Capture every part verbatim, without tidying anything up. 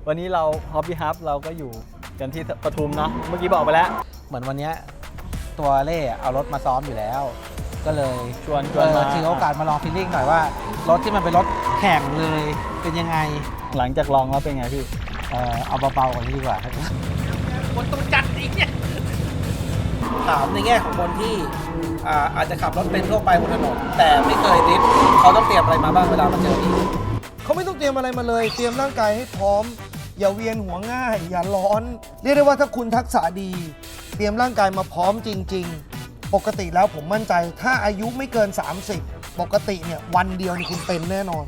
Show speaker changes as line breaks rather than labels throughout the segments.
วันนี้เรา Hobby Hub เราก็อยู่กันที่ปทุมเนาะเมื่อกี้บอกไปแล้ว
เหมือนวันนี้ตัวเล่เอารถมาซ้อมอยู่แล้ว ก็เลย
ชวนชวนมา
ถือโอกาสมาลองฟีลลิ่งหน่อยว่ารถที่มันเป็นรถแข่งเลยเป็นยังไง
หลังจากลองแล้วเป็นไงพี่
เออเอาเบาๆกว่านี้ดีกว่า
คนต้องจัดอีกเนี่ยถามในแง่ของคนที่อาจจะขับรถเป็นทั่วไปบนถนนแต่ไม่เคยดริฟท์เขาต้องเตรียมอะไรมาบ้างเวลามาเจอที่
เขาไม่ต้องเตรียมอะไรมาเลยเตรียมร่างกายให้พร้อมอย่าเวียนหัวง่ายอย่าร้อนเรียกได้ว่าถ้าคุณทักษะดีเตรียมร่างกายมาพร้อมจริงๆปกติแล้วผมมั่นใจถ้าอายุไม่เกินสามสิบปกติเนี่ยวันเดียวนี่คุณเป็นแน่นอน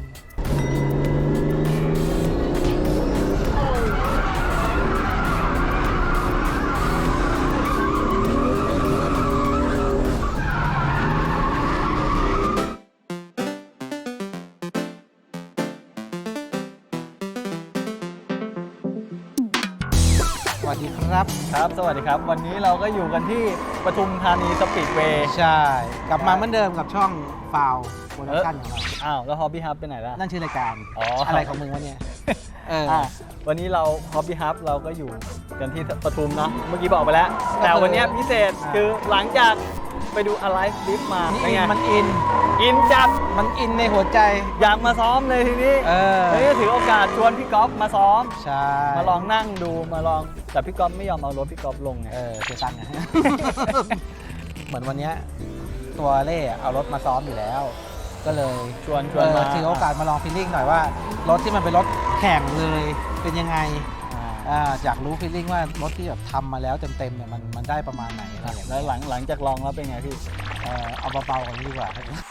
สวัสดีครับ
ครับสวัสดีครับวันนี้เราก็อยู่กันที่ปทุมธานีสปีดเวย์
ใช่กลับมาเหมือนเดิมกับช่องฟาวโปรดักชั่นของเรา
อ้าวแล้ว Hobby Hub ไปไหนล่ะ
นั่นชื่อรายการ
อ๋อ
อะไรของมึงวะเนี่ย
เออวันนี้เรา Hobby Hub เราก็อยู่กันที่ปทุมเนาะเมื่อกี้บอกไปแล้วแต่วันนี้พิเศษคือหลังจากไปดู Alive Lift มาเป็นไง
มันอิน
อินจัด
มันอินในหัวใจ
อยากมาซ้อมเลยทีนี้
เออ
เฮ้ยถือโอกาสชวนพี่ก๊อฟมาซ้อม
ใช่
มาลองนั่งดูมาลองแต่พี่ก๊อฟไม่ยอมเอารถพี่ก๊อฟลงไง
เออเสียตังค์ไง เหมือนวันนี้ตัวเล่เอารถมาซ้อมอยู่แล้ว ก็เลย
ชวนชวนมา
ถือโอกาสมาลองฟีลลิ่งหน่อยว่ารถที่มันเป็นรถแข่งเลยเป็นยังไงอยากรู้ฟีลลิ่งว่ารถที่แบบทำมาแล้วเต็มๆเนี่ยมันมันได้ประมาณไหนอะไรอย่างเงี้ย
แล้วหลังหลังจากลองแล้วเป็นไงพี่
เออเอาเบาๆกว่านี้ดีกว่า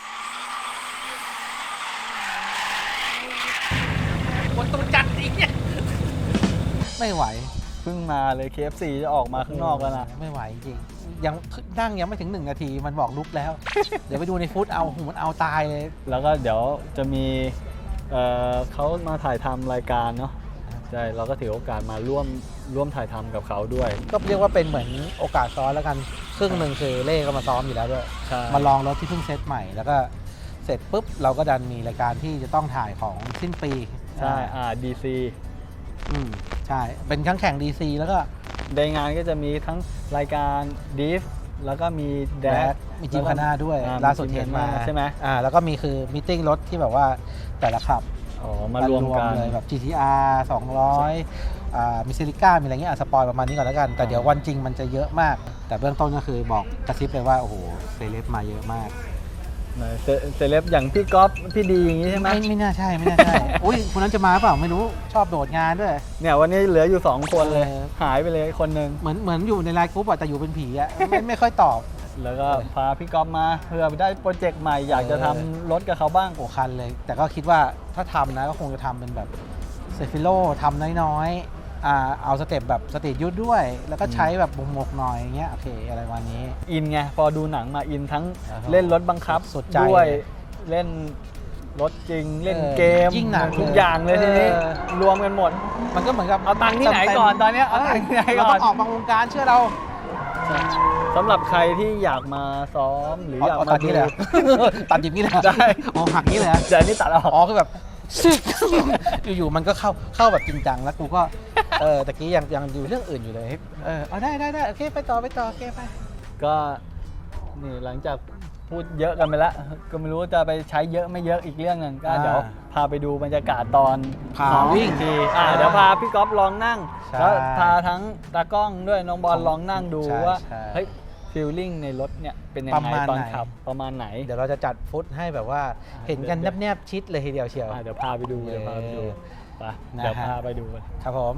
คนต้องจัดอีกเนี่ย
ไม่ไหว
เพิ่งมาเลย เค เอฟ ซี จะออกมาข้างนอกแล้วนะ
ไม่ไหวจริงยังนั่งยังไม่ถึงหนึ่งนาทีมันบอกลุกแล้ว เดี๋ยวไปดูในฟุตเอาหูมันเอาตายเลย
แล้วก็เดี๋ยวจะมีเอ่อเขามาถ่ายทำรายการเนาะใช่เราก็ถือโอกาสมาร่วมร่วมถ่ายทำกับเขาด้วย
ก็เรียกว่าเป็นเหมือนโอกาสซ้อนแล้วกันครึ่งหนึ่งคือเล่ก็มาซ้อมอยู่แล้วด้วยมาลองรถที่เพิ่งเซตใหม่แล้วก็เสร็จปุ๊บเราก็ดันมีรายการที่จะต้องถ่ายของสิ้นปี
ใช่อ่า ดี ซี
อืมใช่เป็นทั้งแข่ง ดี ซี แล้วก็
ในงานก็จะมีทั้งรายการดิฟแล้วก็มีแดด
มีจิมคาน่าด้วยล่าสุดเห็นมา
ใช่ไหม
อ่าแล้วก็มีคือมีติ้งรถที่แบบว่าแต่ละขับ
อ๋อมารวมกัน
เลยแบบ จี ที อาร์ สองร้อยอ่ามีซิลิก้ามีอะไรเงี้ยสปอยประมาณนี้ก่อนแล้วกันแต่เดี๋ยววันจริงมันจะเยอะมากแต่เบื้องต้นก็คือบอกกระซิบเลยว่าโอ้โหเซเลบมาเยอะมาก
เซเลบอย่างพี่ก๊อฟพี่ดีอย่างนี้ใช่ไหม
ไม่ไม่น่าใช่ไม่น่าใช่อุ้ยคนนั้นจะมาเปล่าไม่รู้ชอบโดดงานด้วย
เนี่ยวันนี้เหลืออยู่สองคนเลยหายไปเลยคนนึง
เหมือนเหมือนอยู่ในไลน์กรุ๊ปแต่อยู่เป็นผีอะไม่ไม่ค่อยตอบ
แล้วก็พาพี่ก๊อฟมาเพื่อไปได้โปรเจกต์ใหม่อยากจะทำรถกับเขาบ้าง
โอ้คันเลยแต่ก็คิดว่าถ้าทำนะก็คงจะทำเป็นแบบเซฟิโลทำน้อยๆอ่าเอาสเต็ปแบบสตรีทยุทธด้วยแล้วก็ใช้แบบหมกๆหน่อยอย่างเงี้ยโอเคอะไรวันนี้
อินไงพอดูหนังมาอินทั้งเล่นรถบังคับ
สุดใจ
ด้วยเล่นรถจริงเล่นเกม
ยิ่งหนัก
ทุกอย่างเลยทีนี้รวมกันหมด
มันก็เหมือนกับ
เอาตังค์ที่ไหนก่อนตอนนี้เอาตังค์ที่ไหนก่อน
เราต้องออกมาวงการเชื่อเรา
สำหรับใครที่อยากมาซ้อมหรืออยากมา
ตัดนี้เลยตัดอย่างนี้เลย
ได้
อ๋อหักนี้เลย
เดี๋ยวนี้ตัดออก
อ๋อคือแบบซึกอยู่ๆมันก็เข้าเข้าแบบจริงจังแล้วกูก็เออตะกี้ยังยังอยู่เรื่องอื่นอยู่เลยเออเอาได้ได้ได้โอเคไปต่อไปต่อโอเคไป
ก็นี่หลังจากพูดเยอะกันไปแล้วก็ไม่รู้จะไปใช้เยอะไม่เยอะอีกเรื่องนึงก็เดี๋ยวพาไปดูบรรยากาศตอน
ซ้อมวิ่ง
ทีอ่าเดี๋ยวพาพี่ก๊อฟลองนั่งแล้วพาทั้งตากล้องด้วยน้องบอลลองนั่งดูว่าเฮ้ยฟีลลิ่งในรถเนี่ยเป็นยังไงตอนขับประมาณไหน
เดี๋ยวเราจะจัดฟุตให้แบบว่าเห็นกันแนบๆชิดเลยทีเดียวเชียว
เดี๋ยวพาไปดูเดี๋ยวพาไปดูไปเดี๋ยวพาไปดู
ครับผม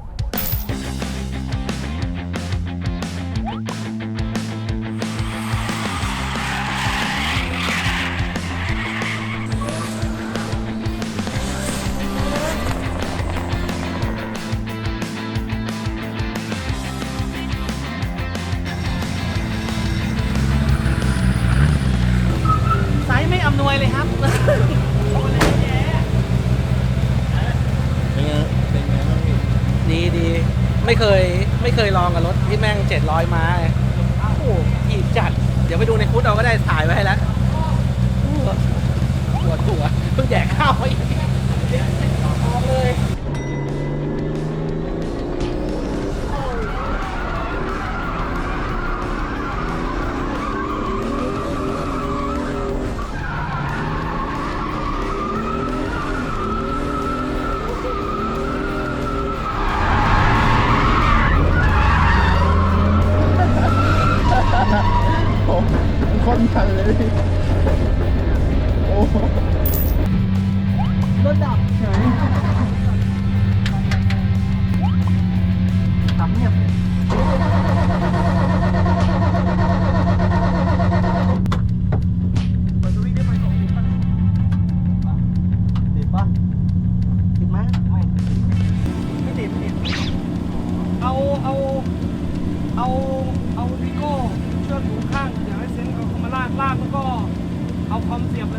อำนวยเลยครับดีดีไม่เคยไม่เคยลองกับรถที่แม่งเจ็ดร้อยม้าโอ้โหถีบจัดเดี๋ยวไปดูในฟุตเราก็ได้ถ่ายไว้ให้แล้วปวดหัวเพิ่งแดกข้าวไปเลย
เอาวิโก้เชือกหูข้างอย่าให้เซนเอาเข้ามาลากลากแล้วก็เอาคอมเสียบเลย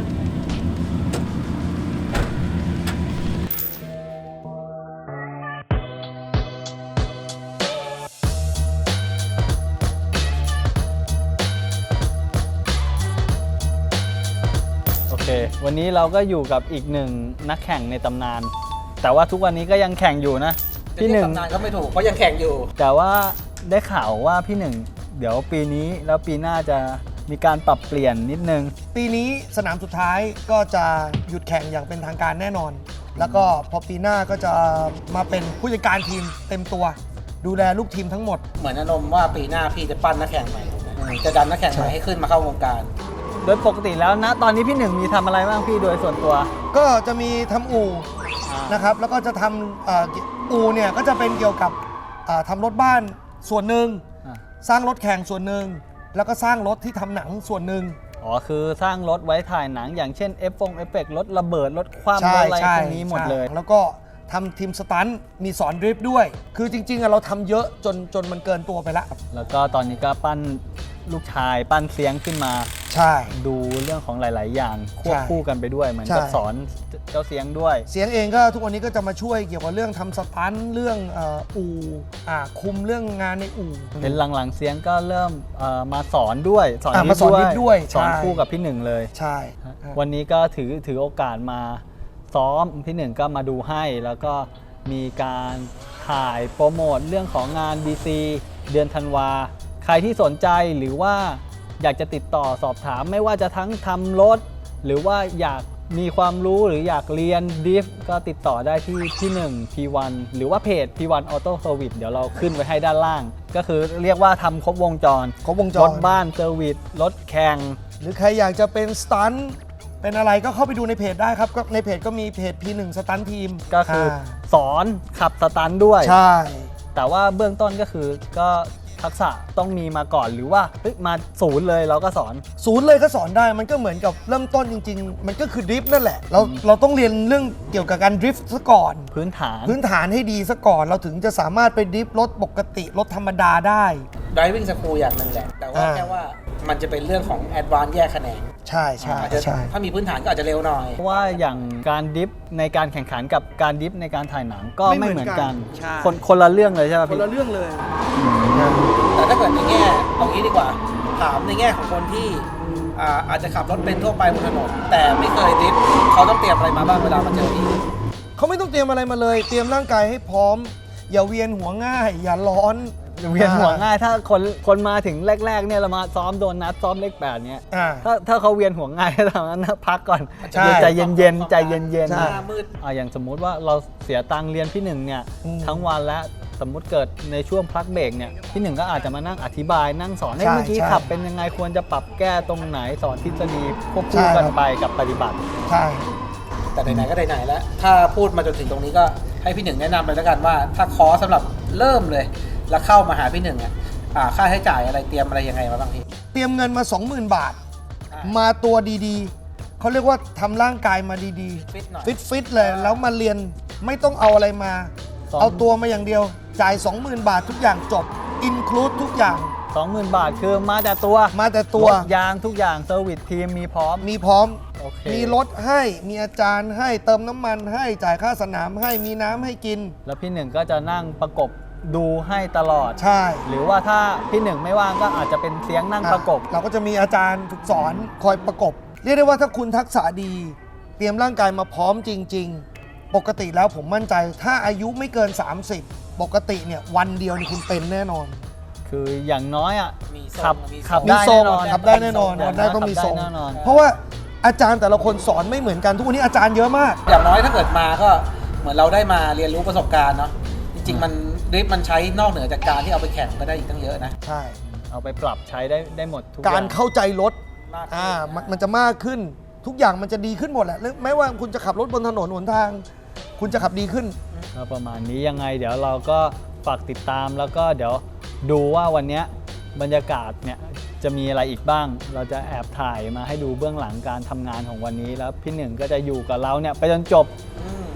โอเค วันนี้เราก็อยู่กับอีกหนึ่งนักแข่งในตำนาน แต่ว่าทุกวันนี้ก็ยังแข่งอยู่นะ
พี่
พี่
ห
ห
นึ่
นึ่
ง
ง
ตำนานก็ไม่ถูกเพราะยังแข่งอยู่
แต่ว่าได้ข่าวว่าพี่หนึ่งเดี๋ยวปีนี้แล้วปีหน้าจะมีการปรับเปลี่ยนนิดนึง
ปีนี้สนามสุดท้ายก็จะหยุดแข่งอย่างเป็นทางการแน่นอน แล้วก็พอปีหน้าก็จะมาเป็นผู้จัดการทีมเต็มตัว ดูแลลูกทีมทั้งหมด
เหมือนอารมณ์ว่าปีหน้าพี่จะปั้นนักแข่งใหม่ถูกไหมจะดันนักแข่งใหม่ให้ขึ้นมาเข้าวงการ
โดยปกติแล้วนะตอนนี้พี่หนึ่งมีทำอะไรบ้างพี่โดยส่วนตัว
ก็จะมีทำอู่
อ่า
นะครับ แล้วก็จะทำเอ่ออู่เนี่ยก็จะเป็นเกี่ยวกับเอ่อทำรถบ้านส่วนหนึ่ง
อ่ะ
สร้างรถแข่งส่วนหนึ่งแล้วก็สร้างรถที่ทำหนังส่วนหนึ่ง
อ๋อคือสร้างรถไว้ถ่ายหนังอย่างเช่นเอฟฟงเอฟเฟกต์รถระเบิดรถคว่ำ
ใช่
รถอะไร
ใช่
พวกนี้หมดเลย
ใช่แล้วก็ทำทีมสตันท์มีสอนดริฟต์ด้วย คือจริงๆอะเราทำเยอะจนจนมันเกินตัวไปแล้ว
แล้วก็ตอนนี้ก็ปั้นลูกชายปั้นเสียงขึ้นมา
ใช่
ดูเรื่องของหลาย ๆ อย่างควบ
ใช่
คู่กันไปด้วยเหมือน
ใช่
กับสอนเจ้าเสียงด้วย
เสียงเองก็ทุกวันนี้ก็จะมาช่วยเกี่ยวกับเรื่องทำสตันท์เรื่องเอ่ออู่อ่าคุมเรื่องงานในอู่
เห็นหลัง ๆ เสียงก็เริ่มเอ่อมาสอนด้วยสอน
อ่ะมาสอนนิดด้วย
สอน
ใช่
คู่กับพี่หนึ่งเลย
ใช่
วันนี้ก็ถือถือโอกาสมาซ้อมพี่หนึ่งก็มาดูให้แล้วก็มีการถ่ายโปรโมทเรื่องของงาน บี ซี เดือนธันวา ใครที่สนใจหรือว่าอยากจะติดต่อสอบถามไม่ว่าจะทั้งทำรถ หรือว่าอยากมีความรู้หรืออยากเรียนดิฟก็ติดต่อได้ที่ที่หนึ่ง พี วัน หรือว่าเพจ พี วัน Auto Service เดี๋ยวเราขึ้นไว้ให้ด้านล่าง ก็คือเรียกว่าทำครบวงจร
ครบวงจ
ร
ร
ถบ้านเซอร์วิสรถแข่ง
หรือใครอยากจะเป็นสตันท์เป็นอะไรก็เข้าไปดูในเพจได้ครับก็ในเพจก็มีเพจ พี หนึ่ง สตันท์ทีม
ก็คืออา สอนขับสตันด้วย
ใช่
แต่ว่าเบื้องต้นก็คือก็ทักษะต้องมีมาก่อนหรือว่าเฮ้ยมาศูนย์เลยเราก็สอน
ศูนย์เลยก็สอนได้มันก็เหมือนกับเริ่มต้นจริง ๆ มันก็คือดริฟต์นั่นแหละ เราเราต้องเรียนเรื่องเกี่ยวกับการดริฟต์ซะก่อน
พื้นฐาน
พื้นฐานให้ดีซะก่อน เราถึงจะสามารถไปดริฟต์รถปกติรถธรรมดาได้
driving school อย่างหนึ่งแหละ แต่ว่า
อ่า
แค่ว่ามันจะเป็นเรื่องของ advance แยกแขนง
ใช่ใช่
อาจจะ
ใช่
ถ้ามีพื้นฐานก็อาจจะเร็วหน่อย
เพราะว่าอย่างการดิฟในการแข่งขันกับการดิฟในการถ่ายหนังก็ไม่เหมือนกัน
ใช่
คนคนละเรื่องเลยใช่ไหม
คน
พี่
ละเรื่องเลย
แต่ถ้าเกิดในแง่เอางี้ดีกว่า ถามในแง่ของคนที่อ่าอาจจะขับรถเป็นทั่วไปบนถนนแต่ไม่เคยดริฟท์เขาต้องเตรียมอะไรมาบ้างเวลามาเจอพี่
เขาไม่ต้องเตรียมอะไรมาเลย เตรียมร่างกายให้พร้อม อย่าเวียนหัวง่าย อย่าร้อน
เวียนหัวง่ายถ้าคนคนมาถึงแรกๆเนี่ยเรามาซ้อมโดนนัดซ้อมเลขแปดเนี่ย
อ่า
ถ้าถ้าเขาเวียนหัวง่าย ทำนั้นนะพักก่อน
ใช่
เดี๋ยวใจเย็นๆใจเย็น
ใช่
หน้ามืด
ๆอ่ะอย่างสมมุติว่าเราเสียตังค์เรียนพี่หนึ่งเนี่ย
อืม
ทั้งวันแล้วสมมุติเกิดในช่วงพักเบรกเนี่ยพี่หนึ่งก็อาจจะมานั่งอธิบายนั่งสอนให้
ใช่
เมื่อกี้
ใช่
ขับเป็นยังไงควรจะปรับแก้ตรงไหนสอนทฤษฎีควบ
ใช่
คู่
ครั
กัน
บ
ไปกับปฏิบัติ
ใช่
แต่ไหนๆก็ไหนๆแล้ว ถ้าพูดมาจนถึงตรงนี้ก็ให้พี่หนึ่งแนะนำเลยแล้วกันว่า ถ้าคอร์สสำหรับเริ่มเลย แล้วเข้ามาหาพี่หนึ่งอ่ะอ่าค่าใช้จ่ายอะไรเตรียมอะไรยังไงมาบ้างพี่
เตรียมเงินมา สองหมื่น บาท
อ่า
มาตัวดีๆ เขาเรียกว่าทำร่างกายมาดี
ฟิตหน่อย
ๆ ฟิตฟิตๆเลย แล้วมาเรียนไม่ต้องเอาอะไรมา
สอง
เอาตัวมาอย่างเดียว จ่าย สองหมื่น บาททุกอย่างจบ อินคลูดทุกอย่าง
สองหมื่น บาทคือมาแต่ตัว
มาแต่ตัว
รถยางทุกอย่างเซอร์วิสทีมมีพร้อม
มีพร้อม
โอเค
มีรถให้ มีอาจารย์ให้ เติมน้ำมันให้ จ่ายค่าสนามให้ มีน้ำให้กิน
แล้วพี่หนึ่งก็จะนั่งประกบดูให้ตลอด
ใช่
หรือว่าถ้าพี่หนึ่งไม่ว่างก็อาจจะเป็นเสียงนั่งประกบ
เราก็จะมีอาจารย์ฝึกสอนคอยประกบ เรียกได้ว่าถ้าคุณทักษะดี เตรียมร่างกายมาพร้อมจริง ๆ ปกติแล้วผมมั่นใจ ถ้าอายุไม่เกิน สามสิบ ปกติเนี่ยวันเดียวนี่คุณเป็นแน่นอน
คืออย่างน้อยอ่ะ
มีทรง
ขับ
มีทรง
ขับ
มี
ได้
ทร
แน่
ง
นอน
ขับได้แน่นอน
ย่า
ขับได้ต้องมีทรง
ขับได้แน่นอน
เพราะว่าอาจารย์แต่ละคนสอนไม่เหมือนกัน ทุกวันนี้อาจารย์เยอะมาก
อย่างน้อยถ้าเกิดมาก็เหมือนเราได้มาเรียนรู้ประสบการณ์เนาะจริงๆมันดริฟต์มันใช้นอกเหนือจากการที่เอาไปแข่งก็ได้อีกตั้งเยอะนะ
ใช่
เอาไปปรับใช้ได้ได้หมดทุก
การ
อย่ง
เข้าใจรถ
มากขึ้น
อ่ามันมันจะมากขึ้น ทุกอย่างมันจะดีขึ้นหมดแหละแล้วแม้ว่าคุณจะขับรถบนถนนหนทาง คุณจะขับดีขึ้น
ก็ประมาณนี้ยังไงเดี๋ยวเราก็ฝากติดตามแล้วก็เดี๋ยวดูว่าวันเนี้ยบรรยากาศเนี่ยจะมีอะไรอีกบ้าง เราจะแอบถ่ายมาให้ดูเบื้องหลังการทำงานของวันนี้แล้วพี่หนึ่งก็จะอยู่กับเราเนี่ยไปจนจบ
อืม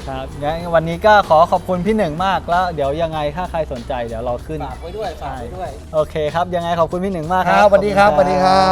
ครับงั้นวันนี้ก็ขอขอบคุณพี่หนึ่งมากแล้วเดี๋ยวยังไงถ้าใครสนใจเดี๋ยวเราขึ้น
ฝากไว้ด้วยฝากไว้ด้วย
โอเคครับยังไงขอบคุณพี่หนึ่งมาก
ค
ค
รั
รั
บบ สวัสดีครับสวัสดีครับ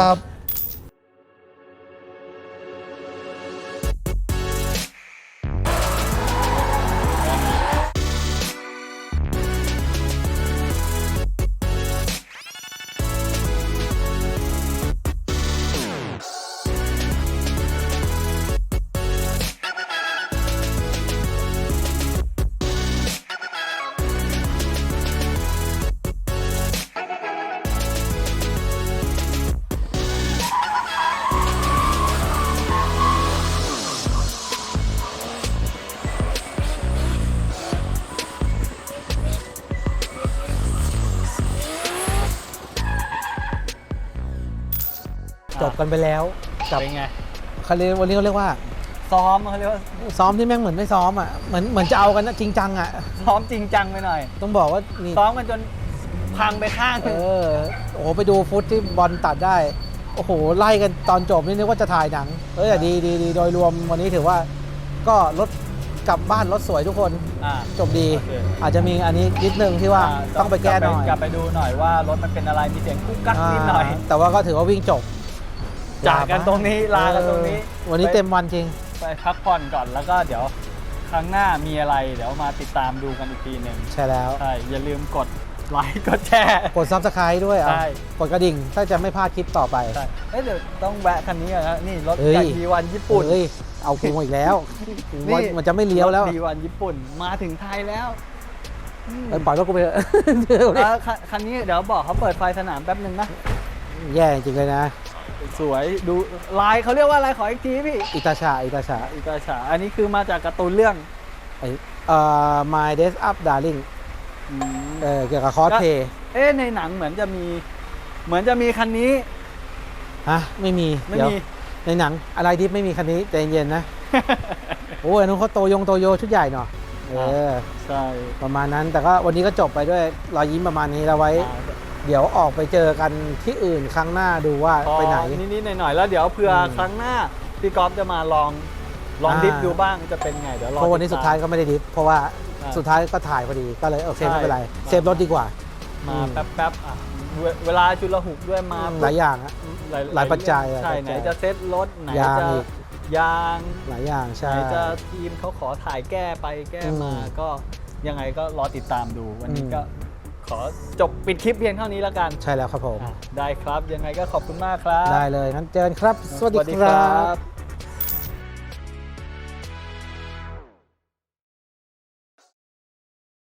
จบกันไปแล้วกับ
เป็นไง
เขาเรียกวันนี้เขาเรียกว่า
ซ้อมเขาเรียกว่า
ซ้อมที่แม่งเหมือนไม่ซ้อมอ่ะเหมือนเหมือนจะเอากันนะจริงจังอ่ะ
ซ้อมจริงจังไปหน่อย
ต้องบอกว่านี่
ซ้อมกันจนพังไปข้างห
เอ
นึ่ง
อโอ้โหไปดูฟุตที่บอลตัดได้โอ้โหไล่กันตอนจบนี่นึกว่าจะถ่ายหนังเออแต่ดีดีดีโดยรวมวันนี้ถือว่าก็รถกลับบ้านรถสวยทุกคน
อ่า
จบดี
โอเค
อาจจะมีอันนี้นิดนึงที่ว่าต้องไปแก้หน่อย
กลับไปดูหน่อยว่ารถมันเป็นอะไรมีเสียงกุ๊กกักนิดหน่อย
าแต่ว่าก็ถือว่าวิ่งจบ
จากกันตรงนี้ลากันตรงนี้
เออวันนี้เต็มวันจริง
ไปพักผ่อนก่อนแล้วก็เดี๋ยวครั้งหน้ามีอะไรเดี๋ยวมาติดตามดูกันอีกทีหนึ่ง
ใช่แล้ว
ใช่อย่าลืมกดไลค์กดแชร์
กดซับสไครต์ด้วยอ่ะ
ใช่
กดกระดิ่งถ้าจะไม่พลาดคลิปต่อไป
ใช่เอ้ยเดี๋ยวต้องแวะคันนี้ก่อนนะนี่รถ
เฮ้ย
จากดีวันญี่ปุ่น
เฮ้ยเอากูอีกแล้ว
นี่
มันจะไม่เลี้ยวแล้ว
ดีวันญี่ปุ่นมาถึงไทยแล้วอืม
เออปล่อยรถกูไปเถอะ เดี๋ยวดิ
แล้วคันคันนี้เดี๋ยวบอกเขาเปิดไฟสนามแป๊บหนึ่งนะ
แย่จริงเลยนะ
สวยดูลายเขาเรียกว่าอะไรขออีกทีพี่
อิตาชาอิตาชา
อิตาฉาอันนี้คือมาจากการ์ตูนเรื่อง
ไอเอ่อ My Days Up Darling
อืม
เออเกี่ยวกับคอสเพย์
เอ๊ะในหนังเหมือนจะมี เหมือนจะมีคันนี้
ฮะไม่มี
ไม่
เดี๋ยว
มี
ในหนังอะไรที่ไม่มีคันนี้ใจเย็นๆนะ โอ้ยอันนู้นเขาโตยงโตโยชุดใหญ่เนาะเออ
ใช่
ประมาณนั้นแต่ก็วันนี้ก็จบไปด้วยรอยยิ้มประมาณนี้แล้วไว้ เดี๋ยวออกไปเจอกันที่อื่นครั้งหน้าดูว่า
พอ
ไปไหน
นิดๆหน่อยๆแล้วเดี๋ยวเผื่ออ
ม
ครั้งหน้าพี่ก๊อฟจะมาลองลอง
อ่า
ดิฟดูบ้างจะเป็นไงเดี๋ยวรอ
เพราะวันนี้
ติ
สุ
ต
ด
ม
ท้ายก็ไม่ได้ดิฟเพราะว่า
อ่า
สุดท้ายก็ถ่ายพอดีก็เลยโอเค
ใช่
ไม่เป็นไร
มา
เซฟรถดีกว่า
มา
อืม
แป๊บๆอ่ะเวเวลาจุลหุกด้วยมา
หลายอย่างอะ
หลาย
หลายปัจจัย
ใช่
หลายปัจ
ไหน
จัย
จะเซ็ตรถไหน
ยาง
จะ
อีก
ยาง
หลายอย่าง
ไหน
ใช่
จะทีมเขาขอถ่ายแก้ไปแก้มา
อืม
ก็ยังไงก็รอติดตามดูวันนี้
อืม
ก็ขอจบปิดคลิปเพียงเท่านี้แล้วกัน
ใช่แล้วครับผม
อ่ะได้ครับยังไงก็ขอบคุณมากครับ
ได้เลยงั้นเจอกันครับ สวัสดี
สวัสดี
ค
ครั
รับ
บ